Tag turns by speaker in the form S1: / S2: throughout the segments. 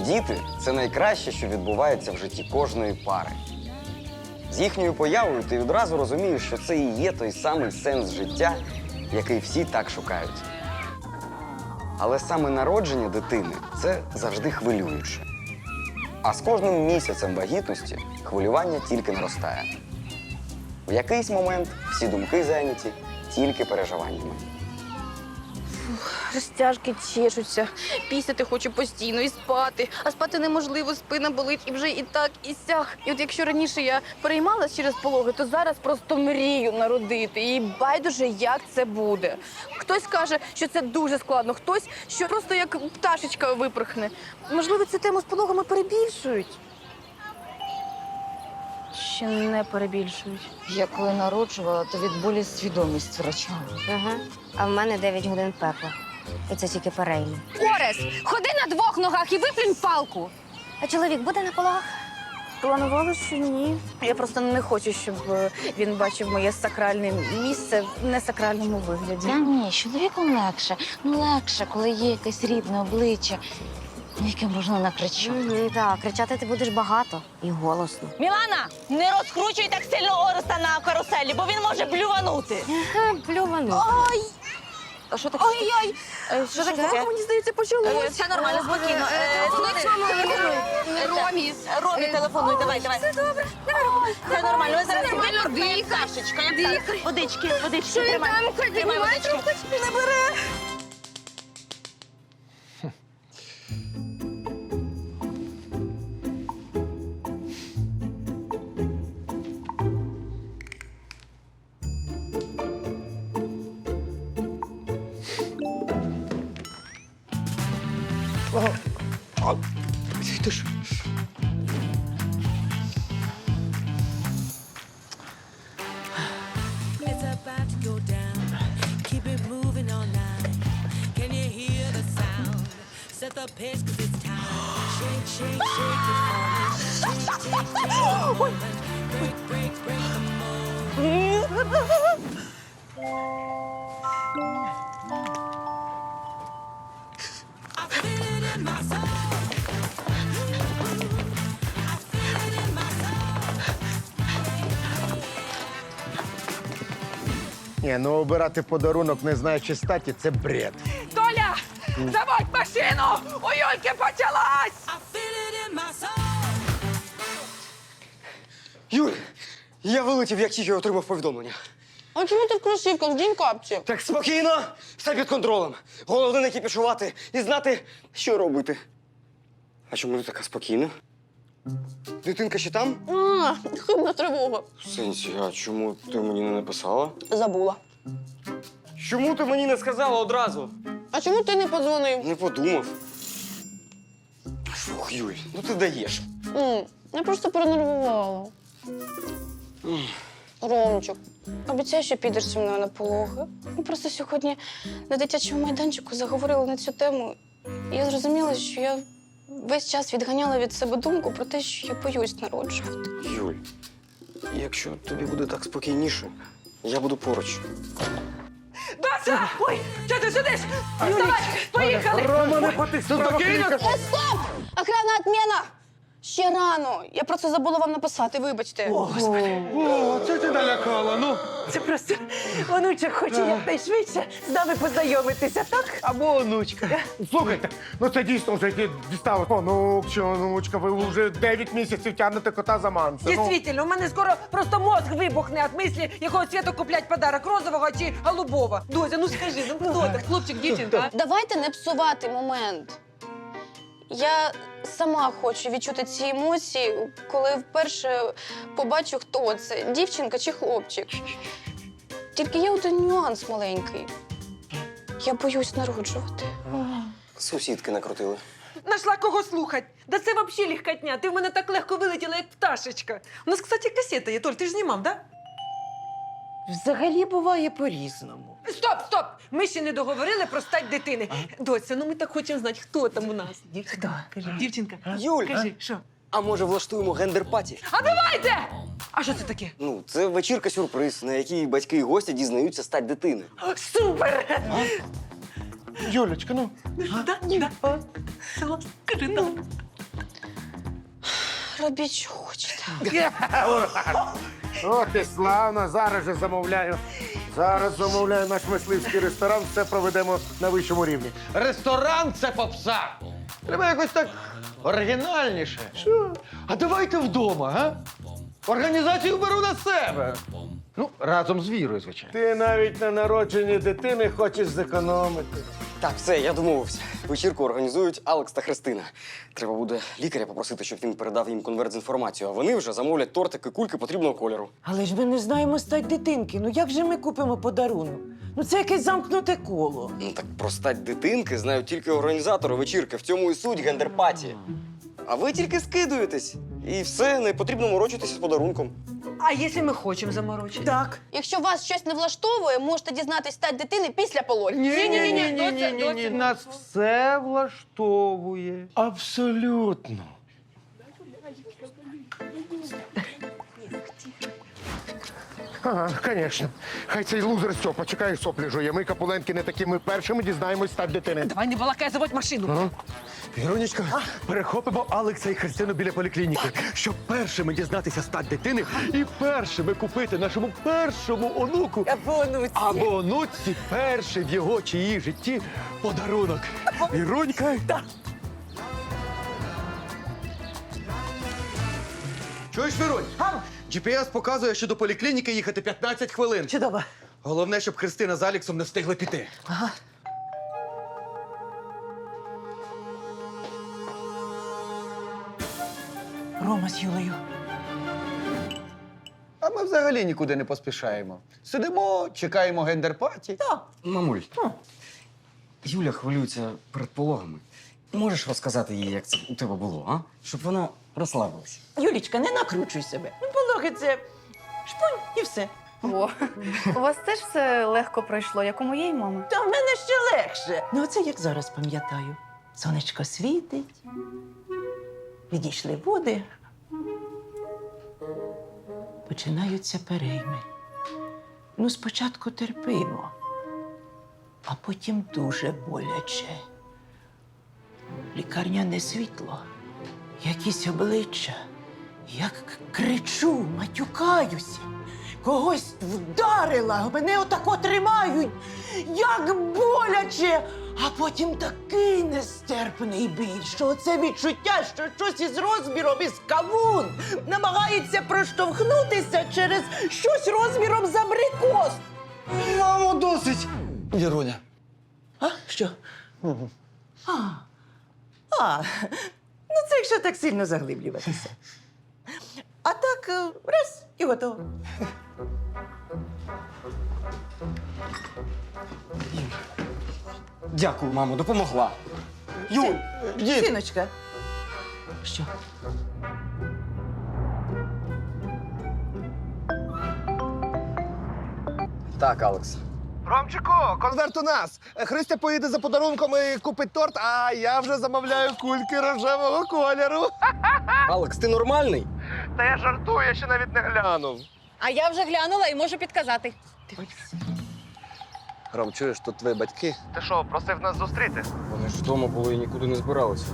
S1: Діти це найкраще, що відбувається в житті кожної пари. З їхньою появою ти відразу розумієш, що це і є той самий сенс життя, який всі так шукають. Але саме народження дитини – це завжди хвилююче. А з кожним місяцем вагітності хвилювання тільки наростає. В якийсь момент всі думки зайняті тільки переживаннями.
S2: Розтяжки чешуться, пісяти хочу постійно і спати. А спати неможливо, спина болить і вже і так, і сяк. І от якщо раніше я переймалась через пологи, то зараз просто мрію народити. І байдуже, як це буде. Хтось каже, що це дуже складно, хтось, що просто як пташечка випорхне. Можливо, цю тему з пологами перебільшують? Ще не перебільшують.
S3: Я коли народжувала, то від болі свідомість втрачала.
S4: Ага. А в мене 9 годин пекла. І це тільки перейми.
S5: Орес, ходи на двох ногах і виплюнь палку.
S4: А чоловік буде на пологах?
S2: Планувала, що ні. Я просто не хочу, щоб він бачив моє сакральне місце в несакральному вигляді.
S3: Та ні, з чоловіком легше. Ну, легше, коли є якесь рідне обличчя, яке можна накричати.
S4: Так, кричати ти будеш багато і голосно.
S6: Мілана, не розкручуй так сильно Ореста на каруселі, бо він може блюванути.
S4: Плювану.
S2: А що таке? Ай-яй! Що таке? Мені здається, почалося.
S6: Все нормально, спокійно. Ромі телефонуй, давай. Все добре, все нормально. Ми зараз випадемо, Сашечка, як так. Водички, тримай. Тримай водички.
S2: Не бере.
S1: Ти ж...
S7: It's about to go down. Keep it moving all night. Can you hear the sound? Set the pace 'cause it's time. Shake, shake, shake it for me. Shake, shake, shake the moment. Break, break, break the mold. I feel it in my soul. I feel it in my soul.
S8: Ні, ну обирати подарунок, не знаючи статі, це бред.
S5: Толя, заводь машину! У Юльки почалась!
S7: I feel it in my soul.
S1: Юль, я вилетів, як тільки отримав повідомлення.
S2: А чому ти в кросівках? Дінь капці.
S1: Так спокійно, все під контролем. Головне не кипішувати і знати, що робити. А чому ти така спокійна? Дитинка ще там?
S2: А, хибна тривога.
S1: В сенсі, а чому ти мені не написала?
S2: Забула.
S1: Чому ти мені не сказала одразу?
S2: А чому ти не подзвонив?
S1: Не подумав. Фух, Юль, ну ти даєш.
S2: Я просто перенервувала. Ромчик, обіцяй, що підеш зі мною на пологи. Ми просто сьогодні на дитячому майданчику заговорили на цю тему. І я зрозуміла, що я весь час відганяла від себе думку про те, що я боюсь народжувати.
S1: Юль, якщо тобі буде так спокійніше, я буду поруч.
S5: Дося! Ой, що ти сидиш? Вставай, поїхали!
S8: Рома, не потисни, спокійно!
S2: Стоп! Охрана, отмена! Ще рано. Я просто забула вам написати, вибачте.
S8: О, це ти налякала, ну.
S9: Це просто онучок хоче якнайшвидше з нами познайомитися, так?
S8: Або онучка. Слухайте, ну це дійсно вже дістало. Онук чи онучка, ви вже 9 місяців тягнете кота за манце. Ну.
S9: Дійсно, у мене скоро просто мозг вибухне від мислі, якого цвіту куплять подарок, розового чи голубого. Дося, ну скажи, ну хто так, хлопчик, дівчинка?
S2: Давайте не псувати момент. Я сама хочу відчути ці емоції, коли вперше побачу, хто це, дівчинка чи хлопчик. Тільки є один нюанс маленький. Я боюсь народжувати.
S1: Сусідки накрутили.
S9: Нашла кого слухать. Да це взагалі легкотня. Ти в мене так легко вилетіла, як пташечка. У нас, кстати, касета є, Толь, ти ж знімав, да?
S10: Взагалі буває по-різному.
S9: Стоп! Ми ще не договорили про стать дитини. Доця, ну ми так хочемо знати, хто там у нас. Дівчинка, кажи, дівчинка.
S1: Юль,
S9: Кажи, що?
S1: а може влаштуємо гендер-паті?
S9: А давайте! А що це таке?
S1: Ну, це вечірка-сюрприз, на якій батьки і гості дізнаються стать дитини.
S9: Супер!
S8: Юлечка, ну.
S9: Да? Кажи, да.
S6: Робіть, що хочете.
S8: От і славно, зараз же замовляю. Зараз замовляю наш мисливський ресторан, все проведемо на вищому рівні.
S11: Ресторан це попса. Треба якось так оригінальніше. Що? А давайте вдома, га? Організацію беру на себе. Ну, разом з Вірою, звичайно.
S8: Ти навіть на народженні дитини хочеш зекономити.
S1: Так, все, я домовився. Вечірку організують Алекс та Христина. Треба буде лікаря попросити, щоб він передав їм конверт з інформацією, а вони вже замовлять тортики, кульки потрібного кольору.
S10: Але ж ми не знаємо стать дитинки. Ну як же ми купимо подарунок? Ну це якесь замкнуте коло.
S1: Ну так про стать дитинки знають тільки організатори вечірки. В цьому і суть гендерпаті. А ви тільки скидуєтесь. І все, не потрібно морочитися з подарунком.
S9: А якщо ми хочемо заморочити?
S10: Так.
S2: Якщо вас щось не влаштовує, можете дізнатись стать дитини після пологів.
S11: Ні, нас все влаштовує.
S8: Абсолютно. Ага, звісно. Хай цей лузер Стьопа чекає, соплі жує. Ми, Капуленки, не такі. Ми першими дізнаємось стать дитини.
S9: Давай не балакай, заводь машину.
S12: Віронечка, перехопимо Алекса і Христину біля поліклініки, щоб першими дізнатися стать дитини і першими купити нашому першому онуку або онуці перший в його чи її житті подарунок. Віронька. Чуєш, Віронь? GPS показує, що до поліклініки їхати 15 хвилин.
S10: Чудово.
S12: Головне, щоб Христина з Алексом не встигли піти.
S10: Ага. Рома з Юлею.
S11: А ми взагалі нікуди не поспішаємо. Сидимо, чекаємо гендерпаті.
S1: Мамуль, Юля хвилюється перед пологами. Можеш розказати їй, як це у тебе було, а? Щоб вона розслабилася.
S10: Юлічка, не накручуй себе. Ну, пологи це шпунь і все.
S2: О, у вас теж все легко пройшло, як у моєї мами.
S10: Та в мене ще легше. Ну, оце як зараз пам'ятаю. Сонечко світить, відійшли води, починаються перейми. Ну, спочатку терпимо, а потім дуже боляче. Лікарняне світло, якісь обличчя. Як кричу, матюкаюся. Когось вдарила, мене отако тримають. Як боляче! А потім такий нестерпний біль, що оце відчуття, що щось із розміром із кавун намагається проштовхнутися через щось розміром з абрикос.
S12: Мамо, досить! Віроня.
S10: А? Що? Ну це якщо так сильно заглиблюватися. А так, раз і готово.
S1: Дякую, мамо, допомогла. Юль!
S10: Сіночка. Що?
S1: Так, Алекс.
S8: Ромчику, конверт у нас. Христя поїде за подарунком і купить торт, а я вже замовляю кульки рожевого кольору.
S1: Алекс, ти нормальний?
S8: Та я жартую, я ще навіть не глянув.
S2: А я вже глянула і можу підказати.
S12: Ром, чуєш, тут твої батьки?
S8: Ти що, просив нас зустріти?
S1: Вони ж вдома були і нікуди не збиралися.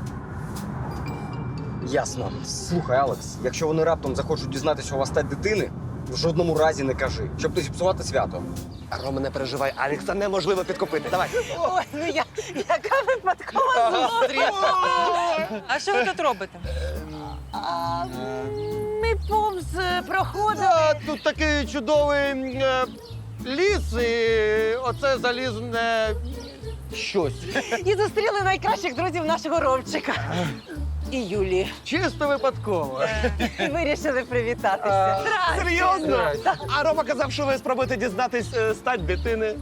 S1: Ясно. Слухай, Алекс, якщо вони раптом захочуть дізнатися у вас стать дитини, в жодному разі не кажи, щоб не зіпсувати свято.
S8: Рома, не переживай, Алекса неможливо підкупити. Давай.
S10: Ой, ну яка випадкова зустріч.
S9: А що ви тут робите?
S10: Ми повз проходили.
S11: А, тут такий чудовий ліс, і оце залізне щось.
S10: І зустріли найкращих друзів нашого Ромчика. І Юлі.
S11: Чисто випадково.
S10: І вирішили привітатися.
S8: Серйозно? А Рома казав, що ви спробуєте дізнатись стать дитини.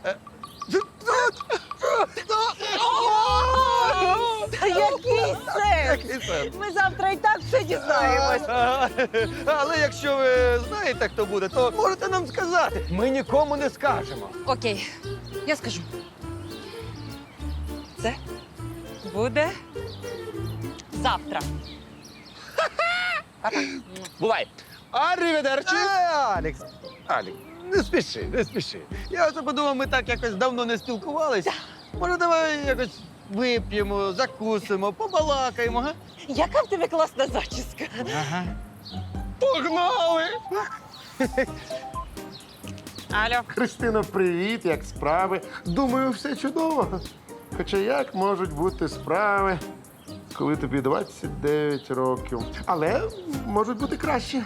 S10: Та який сенс? Ми завтра і так все дізнаємось.
S11: Але якщо ви знаєте, хто буде, то можете нам сказати. Ми нікому не скажемо.
S9: Окей, я скажу. Це буде завтра.
S11: Бувай. Арріведерчі. Алекс, не спіши, не спіши. Я оце подумав, ми так якось давно не спілкувались. Може, давай якось вип'ємо, закусимо, побалакаємо, га?
S6: Яка в тебе класна зачіска?
S11: Ага. Погнали!
S6: Алло.
S8: Христино, привіт, як справи? Думаю, все чудово. Хоча як можуть бути справи, коли тобі 29 років. Але можуть бути краще.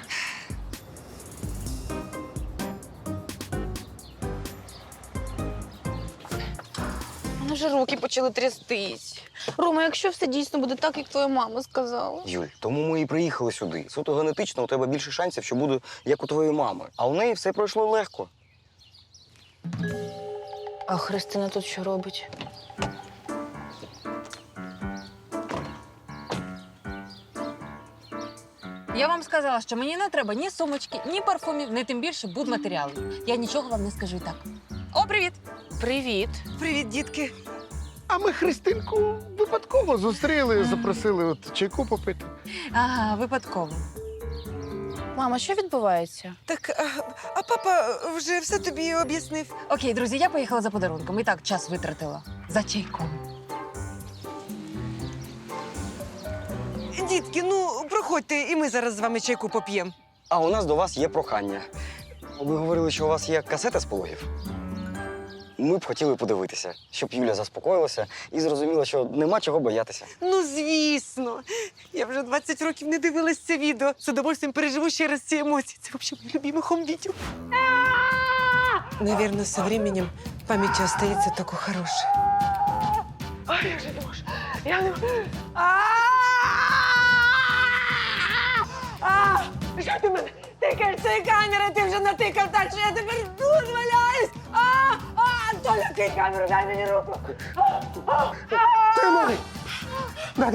S2: У мене вже руки почали трястись. Рома, якщо все дійсно буде так, як твоя мама сказала.
S1: Юль, тому ми і приїхали сюди. Суто генетично у тебе більше шансів, що буде як у твоєї мами. А у неї все пройшло легко.
S2: А Христина тут що робить?
S9: Я вам сказала, що мені не треба ні сумочки, ні парфумів, ні тим більше будматеріалів. Я нічого вам не скажу і так. О, привіт!
S2: Привіт.
S6: Привіт, дітки.
S8: А ми Христинку випадково зустріли, запросили от чайку попити.
S9: Ага, випадково.
S2: Мама, що відбувається?
S6: Так, а папа вже все тобі об'яснив.
S9: Окей, друзі, я поїхала за подарунком. І так час витратила. За чайком.
S6: Дітки, ну проходьте, і ми зараз з вами чайку поп'ємо.
S1: А у нас до вас є прохання. Ви говорили, що у вас є касета з пологів. Ми б хотіли подивитися, щоб Юля заспокоїлася і зрозуміла, що нема чого боятися.
S6: Ну, звісно. Я вже 20 років не дивилась це відео. З удовольствием переживу ще раз ці емоції. Це взагалі моє любиме хом-відео. Наверное, со временем пам'яті остається тільки хороше. Ой, я вже не можу. Я не можу. Що ти мене тикаєш цією камерою? Ти вже натикав так, що я тепер тут валяюсь. Толя, кинь камеру, дай мені руку.
S8: Тримай! Надо!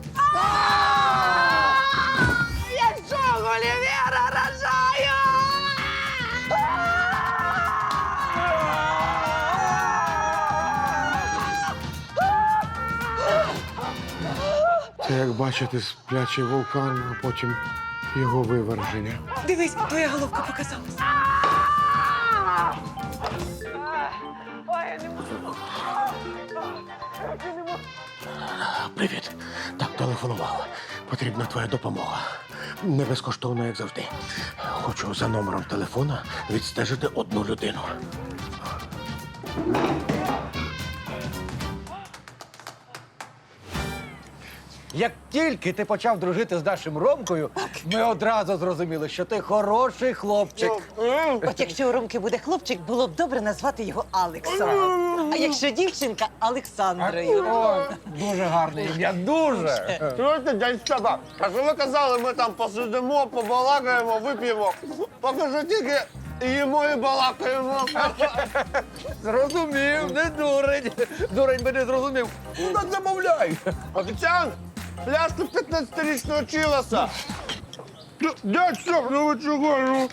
S6: Я що, Гулівера рожаю?
S8: Це, як бачите, сплячий вулкан, а потім його виверження.
S6: Дивись, твоя головка показалась.
S8: Привіт. Так, телефонував. Потрібна твоя допомога. Не безкоштовно, як завжди. Хочу за номером телефона відстежити одну людину.
S11: Як тільки ти почав дружити з нашим Ромкою, ми одразу зрозуміли, що ти хороший хлопчик.
S6: От якщо у Ромки буде хлопчик, було б добре назвати його Алексом. А якщо дівчинка – Олександрою.
S11: О, дуже гарне ім'я, дуже.
S8: Чуєте, дядь Степа, а що ви казали, ми там посидимо, побалакаємо, вип'ємо. Поки що тільки їмо і балакаємо.
S11: Зрозумів, не дурень. Дурень би не зрозумів. Ну так замовляй.
S8: Офіціант, пляшку 15-річного чилоса. Дядь Степ, ну ви чого? Ну?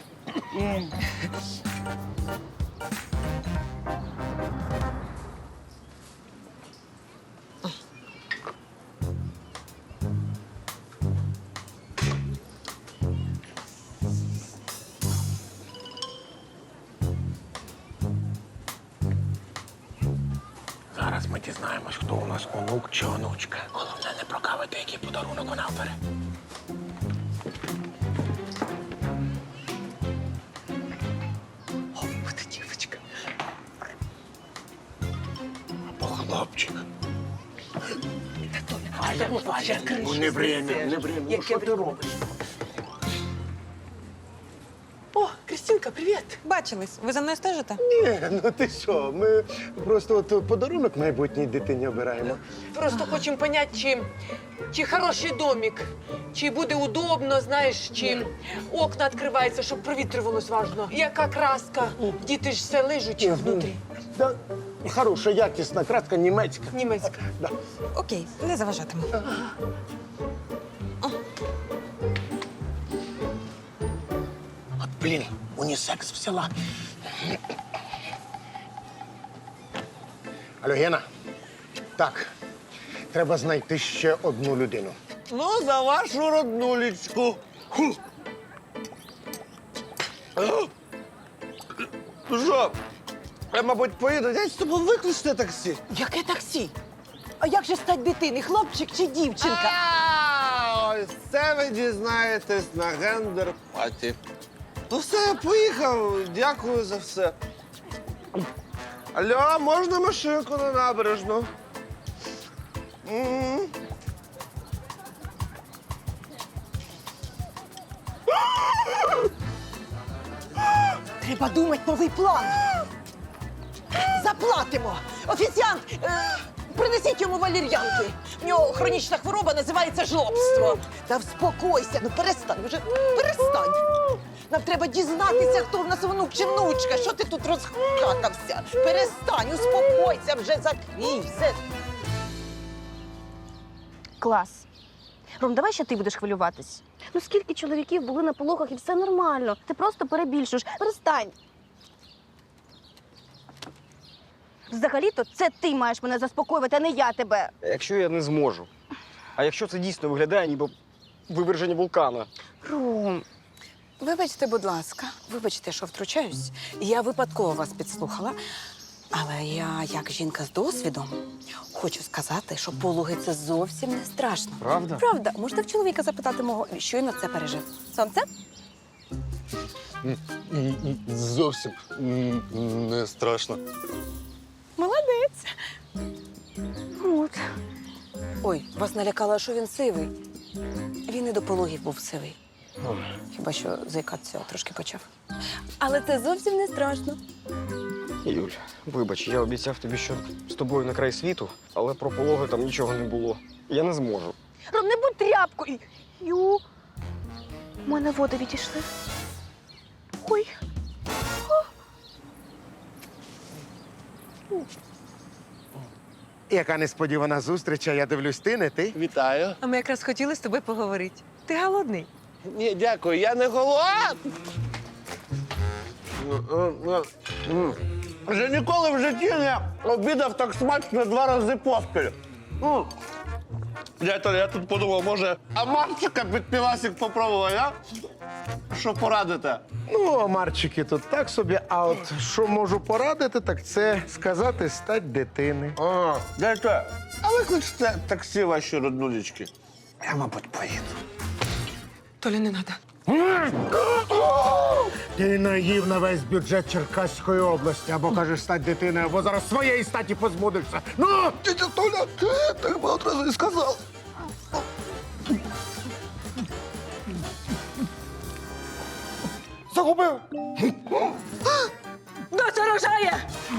S8: Зараз ми дізнаємось, хто у нас онук чи онучка. Головне не прокавити, який подарунок вона обере.
S6: О, буде дівчинка.
S8: Або хлопчик. Ну, не время. Ну, що ти робиш?
S6: О, Кристинка, привіт.
S9: Бачились. Ви за мною стежите?
S8: Ні, ну ти що, ми просто от подарунок майбутній дитині обираємо.
S6: Просто хочемо поняти, чи хороший домик, чи буде удобно, знаєш, чи окна відкриваються, щоб провітрювалось важно. Яка краска? Діти ж все лижуть внутрі.
S8: Да, хороша, якісна краска німецька.
S6: Німецька.
S8: Да.
S9: Окей, не заважатиму.
S8: От, блін, унісекс взяла. Алло, Гена. Так, треба знайти ще одну людину.
S11: Ну, за вашу роднулечку.
S8: Ну що, я, мабуть, поїду. Дядь, з тобою викличте таксі.
S6: Яке таксі?
S10: А як же стать дитини, хлопчик чи дівчинка?
S13: Ось це ви дізнаєтесь на гендер-паті. Ну все, я поїхав. Дякую за все. Алло, можна машинку на набережну? М.
S10: Треба думати новий план. Заплатимо. Офіціант, принесіть йому валір'янки. В нього хронічна хвороба називається жлобство. Та вспокойся, ну перестань, вже перестань. Нам треба дізнатися, хто в нас онук чи внучка. Що ти тут розхакався? Перестань, успокойся, вже закрій все.
S2: Клас. Ром, давай ще ти будеш хвилюватись. Ну скільки чоловіків були на пологах і все нормально. Ти просто перебільшуєш. Перестань. Взагалі-то це ти маєш мене заспокоювати, а не я тебе.
S1: Якщо я не зможу. А якщо це дійсно виглядає, ніби виверження вулкана.
S14: Ром, вибачте, будь ласка, вибачте, що втручаюсь. Я випадково вас підслухала. Але я, як жінка з досвідом, хочу сказати, що пологи – це зовсім не страшно.
S1: Правда?
S14: Правда. Можете в чоловіка запитати мого, щойно це пережив. Сонце?
S13: Зовсім не страшно.
S14: Молодець.
S2: От.
S14: Ой, вас налякало, що він сивий. Він і до пологів був сивий. Хіба що заїкатися трошки почав. Але це зовсім не страшно.
S1: Юль, вибач, я обіцяв тобі, що з тобою на край світу, але про пологи там нічого не було. Я не зможу.
S2: Ром, не будь тряпкою. Ю. У мене води відійшли. Ой.
S8: Яка несподівана зустріч, а я дивлюсь, ти, не ти?
S13: Вітаю.
S9: А ми якраз хотіли з тобою поговорити. Ти голодний?
S13: Ні, дякую, я не голодний. Вже ніколи в житті не обідав так смачно 2 рази поспіль. Я тут подумав, може, а Марчика під півасик попробувати, а? Що порадите?
S8: Ну, омарчики тут так собі, а от що можу порадити, так це сказати стать дитини.
S13: Дайте, а викличте таксі ваші роднулечки. Я, мабуть, поїду.
S9: Толя, не треба.
S8: Ти наїв на весь бюджет Черкаської області, або кажеш стать дитиною, або зараз своєї статі позбудешся. Ну!
S13: Тетя Толя, так би одразу і сказав.
S8: Загубив!
S9: Доця рожає!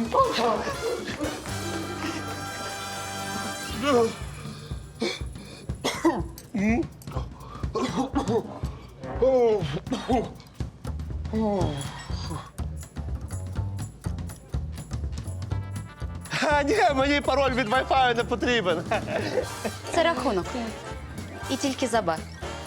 S13: А, ні, мені пароль від Wi-Fi не потрібен.
S3: Це рахунок. І тільки за бар.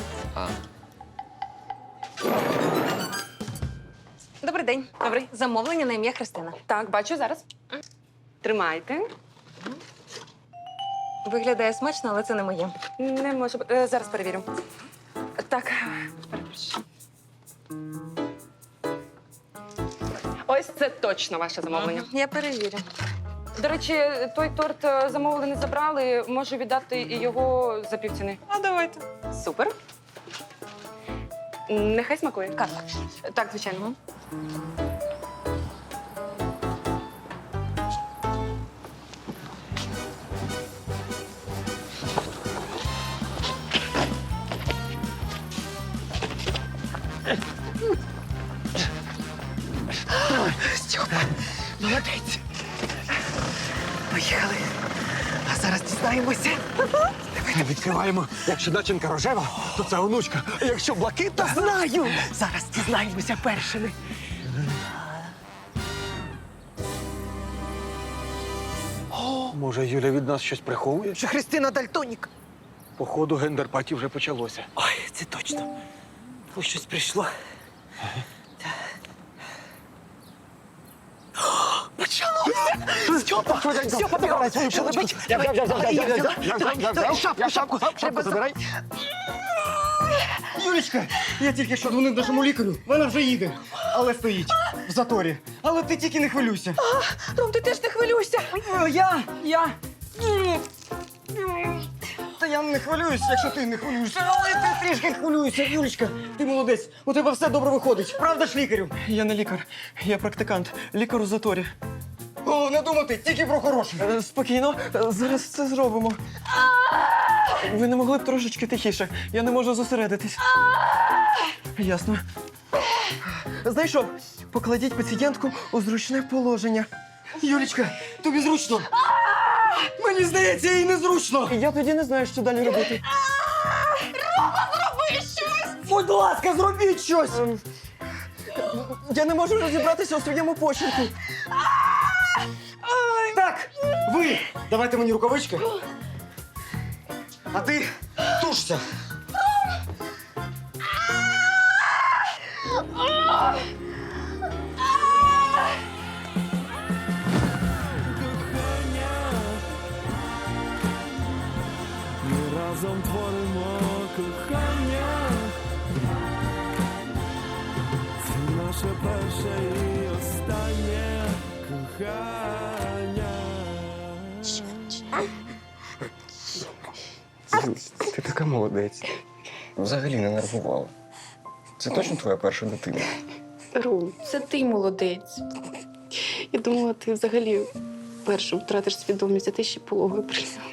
S9: Добрий день. Добрий. Замовлення на ім'я Христина.
S5: Так, бачу зараз. Тримайте.
S9: Виглядає смачно, але це не моє.
S5: Не може бути. Зараз перевірю. Так, перепрошую. Ось це точно ваше замовлення.
S9: Я перевірю.
S5: До речі, той торт замовили, не забрали. Можу віддати і його за півціни.
S9: А давайте.
S5: Супер. Нехай смакує. Картка. Так, звичайно.
S10: Стьопа, молодець. Поїхали. А зараз дізнаємося.
S12: Відкриваємо. Якщо начинка рожева, то це онучка. А якщо блакитна...
S10: Знаю! Зараз дізнаємося першими.
S12: Може, Юля від нас щось приховує?
S10: Що Христина Дальтонік.
S12: Походу, гендер-паті вже почалося.
S10: Ой, це точно. Ось щось прийшло. Почалося! Стьопа! Стьопа, бігом! Шелебить! Давай, шапку! Треба
S12: забирай.
S15: Юлічка, я тільки що дзвонив нашому лікарю. Вона вже їде, але стоїть в заторі. Але ти тільки не хвилюйся.
S9: Ром, ти теж не хвилюйся.
S15: Я. Та я не хвилююсь, якщо ти не хвилюєшся, але ти трішки хвилюєшся, Юлічка. Ти молодець, у тебе все добре виходить. Правда ж, лікарю?
S16: Я не лікар, я практикант. Лікар у заторі.
S15: О, не думати, тільки про хороше.
S16: Спокійно, зараз це зробимо. Ви не могли б трошечки тихіше. Я не можу зосередитись. Ясно. Знайшов. Покладіть пацієнтку у зручне положення.
S15: Юлічка, тобі зручно? Мені здається, їй незручно.
S16: Я тоді не знаю, що далі робити.
S15: Рома, зроби щось! Будь ласка, зробіть щось!
S16: Я не можу розібратися у своєму почерку.
S15: Так, ви давайте мені рукавички. А ти тушся.
S7: Ми разом творимо кохання. Це наше перше і останнє кохання.
S1: Ти така молодець. Взагалі не нервувала. Це точно твоя перша дитина?
S2: Ром, це ти молодець. Я думала, ти взагалі першим втратиш свідомість, а ти ще пологою прийняв.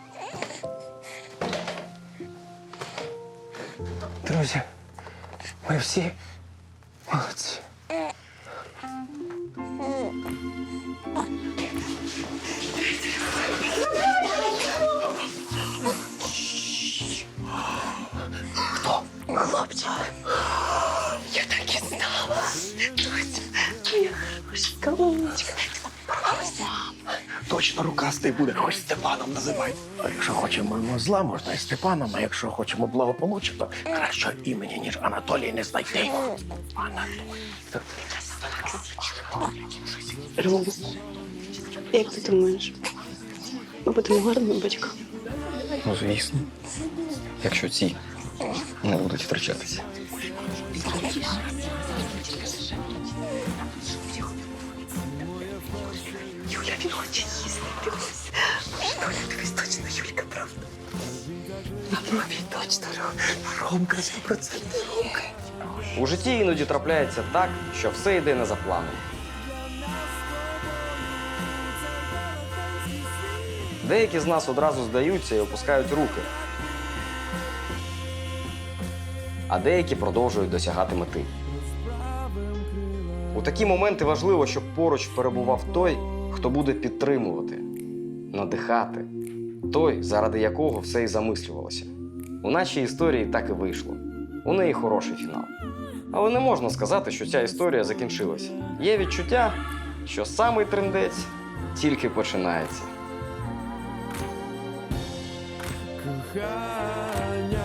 S16: Друзі, ми всі молодці.
S2: Хлопчик, я так і знала. Моя хороша умничка.
S12: Точно рукастий буде, хоч Степаном називай. А якщо хочемо зла, можна і Степаном, а якщо хочемо благополуччя, то кращого імені, ніж Анатолій, не знайти.
S2: Ром, як ти думаєш, ми будемо гарними батьками?
S1: Ну, звісно. Якщо ці не будуть втрачатися.
S2: Юля, він хоче їсти, дивись. Доля, дивись, точно Юлька, правда? Точно,
S16: Ромка, 100% Ромка.
S1: У житті іноді трапляється так, що все йде не за планом. Деякі з нас одразу здаються і опускають руки. А деякі продовжують досягати мети. У такі моменти важливо, щоб поруч перебував той, хто буде підтримувати, надихати. Той, заради якого все і замислювалося. У нашій історії так і вийшло. У неї хороший фінал. Але не можна сказати, що ця історія закінчилась. Є відчуття, що самий трындець тільки починається.
S7: Кохання.